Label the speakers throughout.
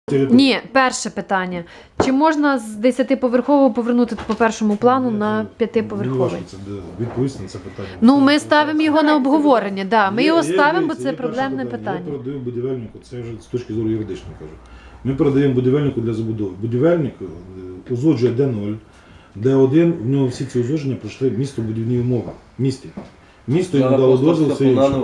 Speaker 1: Ні, перше питання. Чи можна з 10-поверхового повернути по першому плану на 5-поверховий?
Speaker 2: Це відповісти на це питання.
Speaker 1: Ну, ми ставимо його на обговорення, да. Ми його ставимо, бо це проблемне питання.
Speaker 2: Я передаю будівельнику, це вже з точки зору юридичної кажу. Ми передаємо будівельнику для забудови. Будівельник узгоджує Д0, Д1, в нього всі ці узгодження пройшли містобудівні умови в місті. Місто йому дало дозвіл, все інше.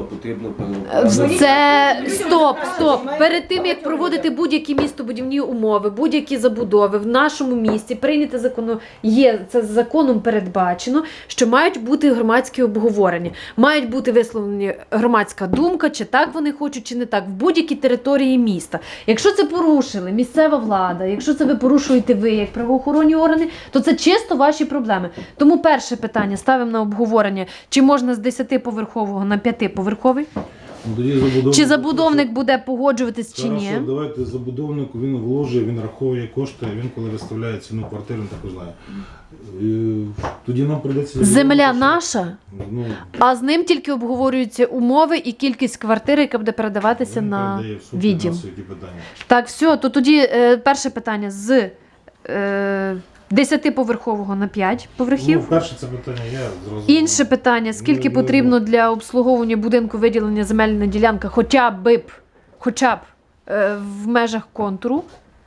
Speaker 1: Це стоп. Перед тим, як проводити будь-які містобудівні умови, будь-які забудови в нашому місті, прийняти закону, це законом передбачено, що мають бути громадські обговорення. Мають бути висловлені громадська думка, чи так вони хочуть, чи не так, в будь-якій території міста. Якщо це порушили місцева влада, якщо це ви порушуєте ви, як правоохоронні органи, то це чисто ваші проблеми. Тому перше питання ставимо на обговорення, чи можна з 10-поверхового на 5-поверховий? Чи забудовник буде погоджуватись, чи ні?
Speaker 2: Давайте забудовнику, він вложує, він рахує кошти, він коли виставляє ціну квартири, він також знає. Тоді нам прийдеться...
Speaker 1: Земля наша, а з ним тільки обговорюються умови і кількість квартири, яка буде передаватися на відділ. Так, все, то тоді перше питання з 10-поверхового на 5 поверхів.
Speaker 2: Ну, перше це питання я зрозумів.
Speaker 1: Інше питання, скільки потрібно для обслуговування будинку виділення земельна ділянка, хоча б в межах контуру.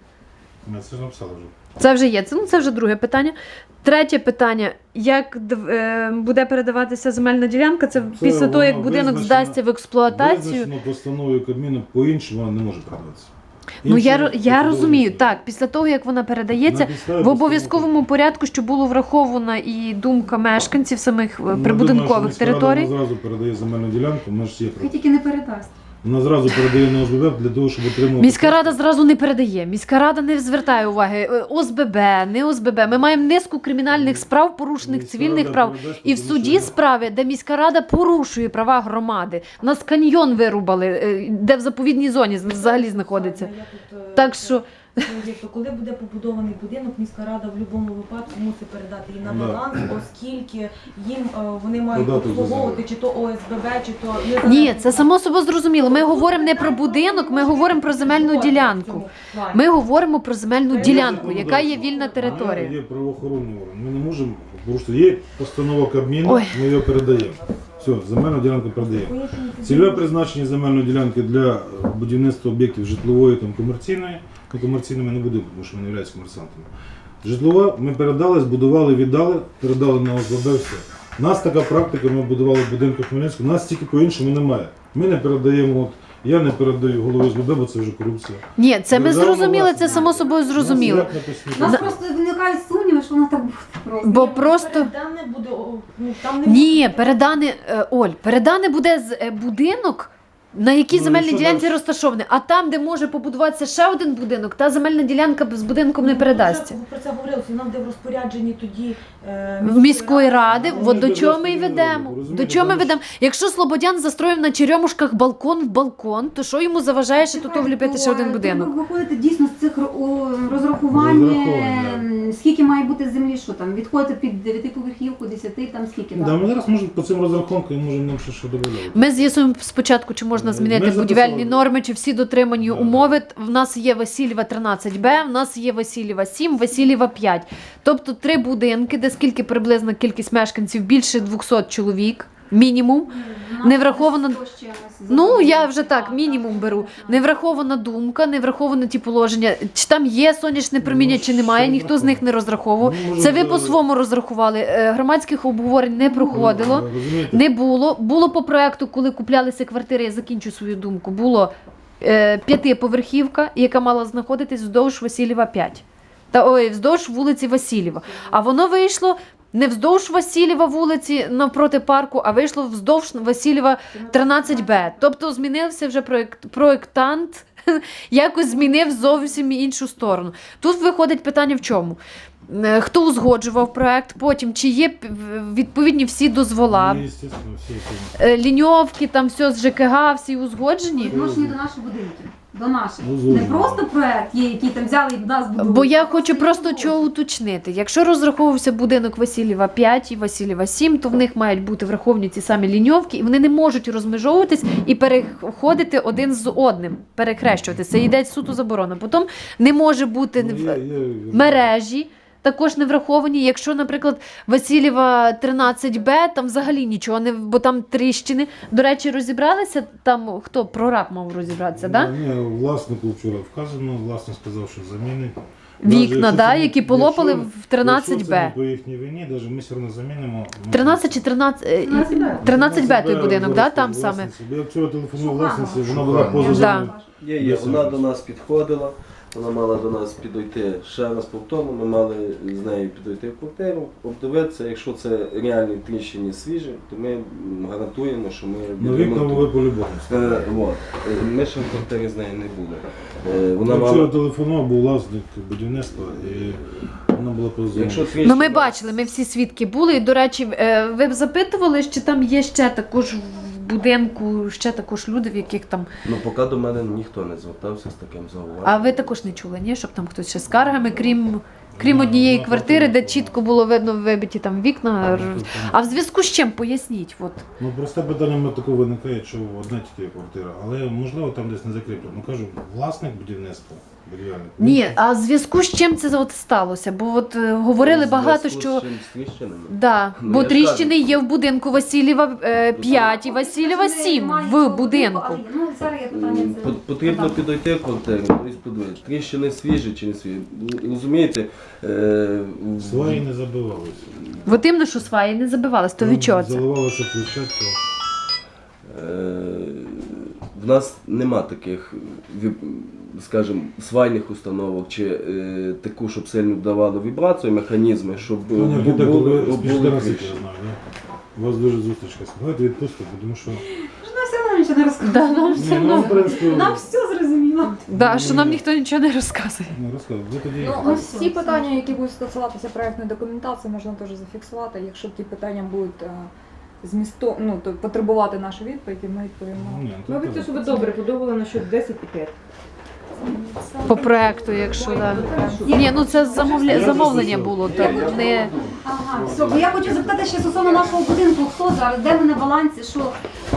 Speaker 2: Ми це ж написали вже.
Speaker 1: Це вже є, це вже друге питання. Третє питання, як буде передаватися земельна ділянка, це після того, як будинок здасться в експлуатацію.
Speaker 2: Визначено постановою Кабміну, по-іншому вона не може передаватися.
Speaker 1: Ну, я розумію, так, після того, як вона передається, в обов'язковому порядку, щоб було врахована і думка мешканців самих прибудинкових територій.
Speaker 2: Вона зразу передає земельну ділянку, ми ж є
Speaker 3: Хай тільки не передасть.
Speaker 2: Вона зразу передає на ОСББ для того, щоб отримувати...
Speaker 1: Міська рада зразу не передає. Міська рада не звертає уваги. ОСББ, не ОСББ. Ми маємо низку кримінальних справ, порушених цивільних прав. І в суді справи, де міська рада порушує права громади. У нас каньйон вирубали, де в заповідній зоні взагалі знаходиться. Так що...
Speaker 3: Коли буде побудований будинок, міська рада в будь-якому випадку мусить передати її на баланс, оскільки їм вони мають обслуговувати чи то ОСББ, чи то...
Speaker 1: Ні, це само собою зрозуміло. Ми говоримо не про будинок, ми говоримо про земельну ділянку. Ми говоримо про земельну ділянку, яка є вільна територія.
Speaker 2: Є правоохоронний орган. Ми не можемо порушити. Є постанова Кабміну, ми її передаємо. Все, земельну ділянку передаємо. Цільове призначення земельної ділянки для будівництва об'єктів житлової та комерційної. Комерційними не будемо, тому що ми не являємося комерсантами. Житлова ми передали, збудували, віддали, передали на ОСББ, все. У нас така практика, ми будували в будинку Хмельницького, у нас тільки по-іншому немає. Ми не передаємо, я не передаю голові ОСББ, бо це вже корупція.
Speaker 1: Ні, це ми зрозуміли, це само собою зрозуміло.
Speaker 3: У нас просто виникають сумніви, що воно так буде.
Speaker 1: Бо просто...
Speaker 3: Передане буде,
Speaker 1: Ні, передане буде з будинок, на якій земельній ділянці розташований. А там, де може побудуватися ще один будинок, та земельна ділянка з будинком не передасться.
Speaker 3: Про це говорилося, нам де в розпорядженні тоді...
Speaker 1: Міської ради, от до чого ми й ведемо. До чого ми ведемо? Якщо Слободян застроїв на Черемушках балкон в балкон, то що йому заважає ще тут вліпити ще один будинок?
Speaker 3: Ви виходите дійсно з цих розрахувань, скільки має бути землі, що там, відходите під 9-поверхівку, 10, там скільки?
Speaker 2: Да, ми зараз можемо по цим розрахункам, можемо нам ще додати.
Speaker 1: Ми з'ясуємо спочатку, чи можна змінити будівельні норми, чи всі дотримані умови. В нас є Васильєва 13Б, в нас є Васильєва 7, Васильєва 5. Тобто 3 будинки, де скільки приблизна кількість мешканців, більше 200 чоловік, мінімум. Не врахована... Ну, я вже так, мінімум беру. Не врахована думка, не враховано ті положення. Чи там є сонячне проміння, чи немає, ніхто з них не розраховував. Це ви по-своєму розрахували. Громадських обговорень не проходило, не було. Було по проекту, коли куплялися квартири, я закінчу свою думку, було 5-поверхівка, яка мала знаходитись вздовж Васильєва 5. Вздовж вулиці Васильєва. А воно вийшло не вздовж Васильєва вулиці навпроти парку, а вийшло вздовж Васильєва 13Б. Тобто змінився вже проєктант, якось змінив зовсім іншу сторону. Тут виходить питання в чому? Хто узгоджував проект, потім чи є відповідні всі дозвола,
Speaker 2: Ну, естественно, всі
Speaker 1: ліньовки, там все з ЖКГ, всі узгоджені.
Speaker 4: Відношені до наших будинків. До наших.
Speaker 2: Узгоджено.
Speaker 4: Не просто проект є, який там взяли і до нас будують.
Speaker 1: Бо я
Speaker 4: а
Speaker 1: хочу просто
Speaker 4: узгоджено.
Speaker 1: чого уточнити. Якщо розраховувався будинок Васильєва 5 і Васильєва 7, то в них мають бути враховані ці самі ліньовки, і вони не можуть розмежовуватись і переходити один з одним, перехрещуватися. Це йде суто заборона. Потім не може бути мережі. Також не враховані. Якщо, наприклад, Васильєва 13Б, там взагалі нічого не, бо там тріщини. До речі, розібралися там, хто прораб мав розібратися, так? Да?
Speaker 2: Ні, власнику вчора вказано, власник сказав, що замінить.
Speaker 1: Вікна, да, які полопали в 13Б.
Speaker 2: Якщо це не по їхній вині, навіть ми все одно замінимо.
Speaker 1: 13 чи 13Б той будинок, да, там саме?
Speaker 2: власниці. Я вчора телефонував
Speaker 4: Шухана.
Speaker 2: власниці, вона була поза
Speaker 1: Да.
Speaker 2: зоною.
Speaker 5: Є, вона до нас підходила, вона мала до нас підійти ще раз повторно, ми мали з нею підійти в квартиру, обдивитися, якщо це реальні тріщини свіжі, то ми гарантуємо, що ми
Speaker 2: Ну, вікна ви по-любому.
Speaker 5: Ми ще в квартирі з нею не були.
Speaker 2: Я
Speaker 5: Вона
Speaker 2: вчора
Speaker 5: мала,
Speaker 2: телефонував, був власник будівництва, і вона була поза зоною.
Speaker 5: якщо
Speaker 1: Ну, ми
Speaker 5: тріщина-
Speaker 1: бачили, ми всі свідки були. І, до речі, ви б запитували, чи там є ще також в будинку, ще також люди, в яких там...
Speaker 5: Ну, поки до мене ніхто не звертався з таким зауваженням.
Speaker 1: А ви також не чули, ні? Щоб там хтось ще з скаргами, крім однієї квартири, де чітко було видно вибиті там вікна. А в зв'язку з чим? Поясніть. От.
Speaker 2: Ну, просте питання мене такого виникає, що одна тільки квартира, але можливо там десь не закріплено. Ну, кажу, власник будівництва, будівельник.
Speaker 1: Ні, а в зв'язку з чим це от сталося? Бо от говорили багато,
Speaker 5: Зв'язку
Speaker 1: що...
Speaker 5: з чим? З тріщинами?
Speaker 1: Да,
Speaker 5: Ну,
Speaker 1: бо
Speaker 5: я ж
Speaker 1: тріщини
Speaker 5: кажу.
Speaker 1: є в будинку Васильєва 5 і Васильєва 7 в будинку.
Speaker 4: Але, ну, зараз є питання це.
Speaker 5: Потрібно підійти в квартиру, тобто подивитися, тріщини свіжі чи не свіжі. Розумієте,
Speaker 2: Сваї не забивалися.
Speaker 1: От іменно, що сваї не забивались, то від чого це?
Speaker 2: Заливалася площадка.
Speaker 5: в нас нема таких, скажімо, свайних установок чи таку, щоб сильно давали вібрацію, механізми, щоб
Speaker 2: Пані архітектор, ви
Speaker 5: було
Speaker 2: спішите раз, я
Speaker 5: кріше.
Speaker 2: знаю, да? У вас дуже зустрічка. Давайте відпустите, тому що...
Speaker 4: Нам все одно нічого не розказує.
Speaker 1: Да, нам
Speaker 2: Ні,
Speaker 1: все
Speaker 2: ну, в
Speaker 1: одно.
Speaker 2: принципі,
Speaker 4: Нам все зрозуміло.
Speaker 1: Да, що нам ніхто нічого не розказує.
Speaker 2: ну, розказуй, ви тоді...
Speaker 6: Ну, всі питання, які будуть стосуватися проектної документації, можна теж зафіксувати. Якщо ті питання будуть змісту, ну, то потребувати нашу відповідь, ми відповімо.
Speaker 2: Ні, то
Speaker 3: Мабуть,
Speaker 2: так.
Speaker 3: це себе добре подобало насчет 10 і 5.
Speaker 1: По проекту, якщо да. Ні, ну це замовлення було, то не...
Speaker 4: Ага, все. Бо я хочу запитати ще стосовно нашого будинку, хто зараз, де ми на балансі, що